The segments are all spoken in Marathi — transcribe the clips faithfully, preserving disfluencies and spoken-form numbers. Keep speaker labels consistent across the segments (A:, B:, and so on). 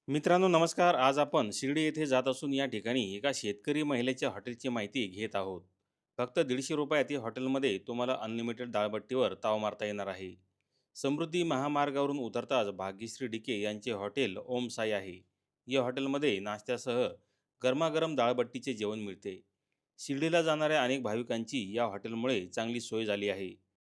A: मित्रांनो नमस्कार. आज आपण शिर्डी येथे जात असून या ठिकाणी एका शेतकरी महिलेच्या हॉटेलची माहिती घेत आहोत. फक्त दीडशे रुपयात या हॉटेलमध्ये तुम्हाला अनलिमिटेड डाळबट्टीवर ताव मारता येणार आहे. समृद्धी महामार्गावरून उतरताच भाग्यश्री डिके यांचे हॉटेल ओम साई आहे. या हॉटेलमध्ये नाश्त्यासह गरमागरम डाळबट्टीचे जेवण मिळते. शिर्डीला जाणाऱ्या अनेक भाविकांची या हॉटेलमुळे चांगली सोय झाली आहे.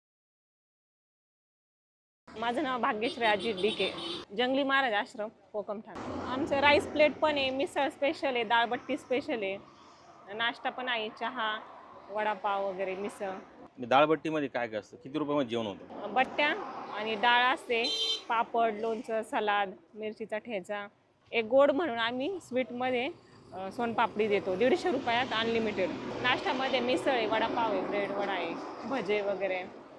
B: माझं नाव भाग्यश्री अजित डिके, जंगली महाराज आश्रम कोकमठाण. आमचं राईस प्लेट पण आहे, मिसळ स्पेशल आहे, डाळबट्टी स्पेशल आहे, नाश्ता पण आहे, चहा, वडापाव वगैरे, मिसळ.
A: डाळबट्टीमध्ये काय काय असतं, किती रुपयामध्ये जेवण होतं?
B: बट्ट्या आणि डाळ असते, पापड, लोणचं, सलाद, मिरचीचा ठेचा. एक गोड म्हणून आम्ही स्वीटमध्ये अ, सोनपापडी देतो दीडशे रुपयात अनलिमिटेड. नाश्त्यामध्ये मिसळ आहे, वडापाव आहे, ब्रेड वडा आहे, भजे वगैरे.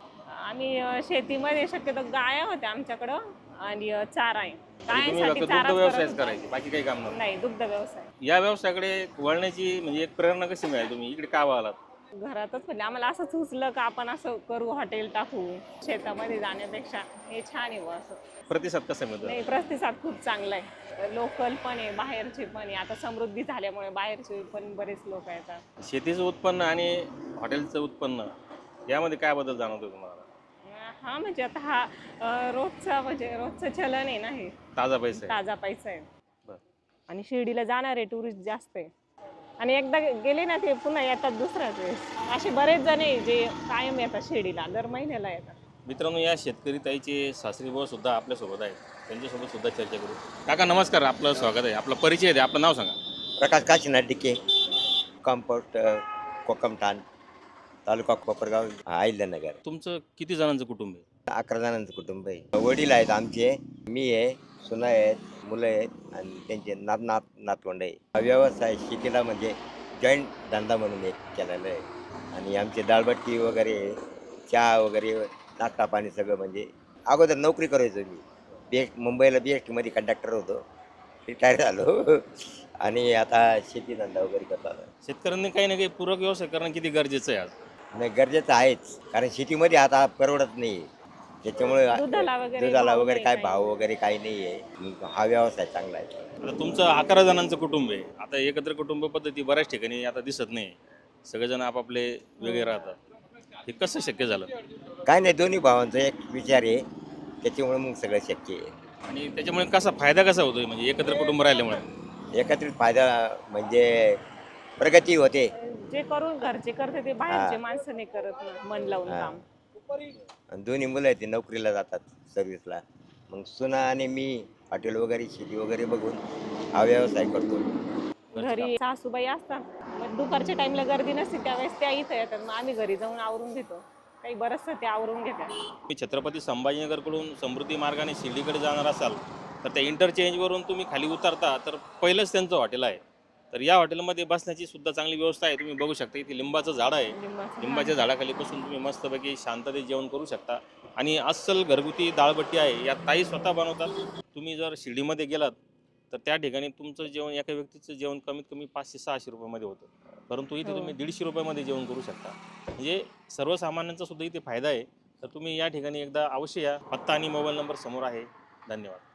B: आम्ही अ, शेतीमध्ये शक्यतो गाया होत्या आमच्याकडं आणि अ, चारा आहे.
A: म्हणजे तुम्ही
B: गायांसाठी
A: फक्त
B: चारा
A: दुग्ध व्यवसायच करायचे, बाकी काही काम नव्हतं?
B: नाही, दुग्ध व्यवसाय.
A: या व्यवसायाकडे वळण्याची म्हणजे एक प्रेरणा कशी मिळाली, तुम्ही इकडे का वळालात?
B: घरातच म्हणजे आम्हाला असं सुचलं का आपण असं करू, हॉटेल टाकू. शेतामध्ये जाण्यापेक्षा हे छान आहे बुवा असं.
A: प्रतिसाद कसा मिळतो?
B: नाही, प्रतिसाद खूप चांगला आहे. लोकल पण आहे, बाहेरचे पण आहे. आता समृद्धी झाल्यामुळे बाहेरचे पण बरेच लोक येतात.
A: शेतीचं उत्पन्न आणि हॉटेलचं उत्पन्न यामध्ये काय बदल जाणवतो तुम्हाला?
B: हा म्हणजे आता हा अ, रोजचा म्हणजे रोजचं चलन आहे ना, हे
A: ताजा पैसा आहे.
B: ताजा पैसा आहे.
A: बरं.
B: आणि शिर्डीला जाणारे टुरिस्ट जास्त आहे आणि एकदा गेले ना ते पुन्हा येतात दुसऱ्याच वेळेस. असे बरेच जण आहे जे कायम येतात शिर्डीला, दर महिन्याला येतात.
A: मित्रांनो, या शेतकरी ताईचे सासरी भाऊ सुद्धा आपल्यासोबत आहेत, त्यांच्यासोबत सुद्धा चर्चा करू. काका नमस्कार, आपलं स्वागत आहे. आपला परिचय द्या, आपलं नाव सांगा.
C: प्रकाश काशीनाथ डिके, कंपोस्ट कोकमठाण, तालुका कोपरगाव, अहिल्यानगर.
A: तुमचं किती जणांचं कुटुंब आहे?
C: अकरा जणांचं कुटुंब आहे. वडील आहेत आमचे, मी आहे, सुना आहेत, मुलं आहेत आणि त्यांचे नात नात नातवंड आहे. हा व्यवसाय शेतीला म्हणजे जॉईंट धंदा म्हणून एक केलेला आहे. आणि आमचे डाळबट्टी वगैरे, चहा वगैरे, नाश्ता पाणी सगळं म्हणजे अगोदर नोकरी करायचो मी. बी एस मुंबईला बी एस टीमध्ये कंडक्टर होतो, रिटायर झालो आणि आता शेती धंदा वगैरे करतो.
A: शेतकऱ्यांनी काही ना काही पूरक व्यवसाय करणं किती गरजेचं आहे आज?
C: नाही, गरजेचं आहेच, कारण शेतीमध्ये आता परवडत नाही. त्याच्यामुळे
B: दुधाला वगैरे
C: दुधाला
B: भाव
C: वगैरे
B: नाही,
C: काय
B: काही
C: भाव वगैरे काही नाही आहे. हा व्यवसाय चांगला आहे.
A: आता तुमचं अकरा जणांचं कुटुंब आहे. आता एकत्र कुटुंब पद्धती बऱ्याच ठिकाणी आता दिसत नाही. सगळेजण आपापले वेगळे राहतात. हे कसं शक्य झालं?
C: काय नाही, दोन्ही भावांचा एक विचार आहे, त्याच्यामुळे मग सगळं शक्य आहे.
A: आणि त्याच्यामुळे कसा फायदा कसा होतोय, म्हणजे एकत्र कुटुंब राहिल्यामुळे?
C: एकत्रित फायदा म्हणजे प्रगती होते.
B: जे करून घरचे करते ते बाहेरचे
C: हा.
B: माणसं नाही करत ना, मन लावून
C: हा.
B: काम.
C: आणि दोन्ही मुलं आहेत, ते नोकरीला जातात, सर्व्हिसला. मग सुना आणि मी हॉटेल वगैरे शेती वगैरे बघून हा व्यवसाय करतो.
B: घरी सासूबाई असतात, मग दुपारच्या टाइमला गर्दी नसते त्यावेळेस त्या इथं येतात, मग आम्ही घरी जाऊन आवरून घेतो. काही बरंचसं ते आवरून घेतात.
A: तुम्ही छत्रपती संभाजीनगरकडून समृद्धी मार्गाने शिर्डीकडे जाणार असाल तर त्या इंटरचेंजवरून तुम्ही खाली उतरता तर पहिलंच त्यांचं हॉटेल आहे. तर या हॉटेलमध्ये बसण्याची सुद्धा चांगली व्यवस्था आहे. तुम्ही बघू शकता, इथे लिंबाचं झाड आहे.
B: लिंबाचं
A: लिंबाच्या झाडाखाली बसून तुम्ही मस्तपैकी शांततेत जेवण करू शकता. आणि अस्सल घरगुती डाळबट्टी आहे, या ताई स्वतः बनवतात. तुम्ही जर शिर्डीमध्ये गेलात तर त्या ठिकाणी तुमचं जेवण, एका व्यक्तीचं जेवण कमीत कमी पाचशे सहाशे रुपयामध्ये होतं, परंतु इथे
B: हो.
A: तुम्ही दीडशे रुपयामध्ये जेवण करू शकता. म्हणजे सर्वसामान्यांचा सुद्धा इथे फायदा आहे. तर तुम्ही या ठिकाणी एकदा अवश्य या. पत्ता आणि मोबाईल नंबर समोर आहे. धन्यवाद.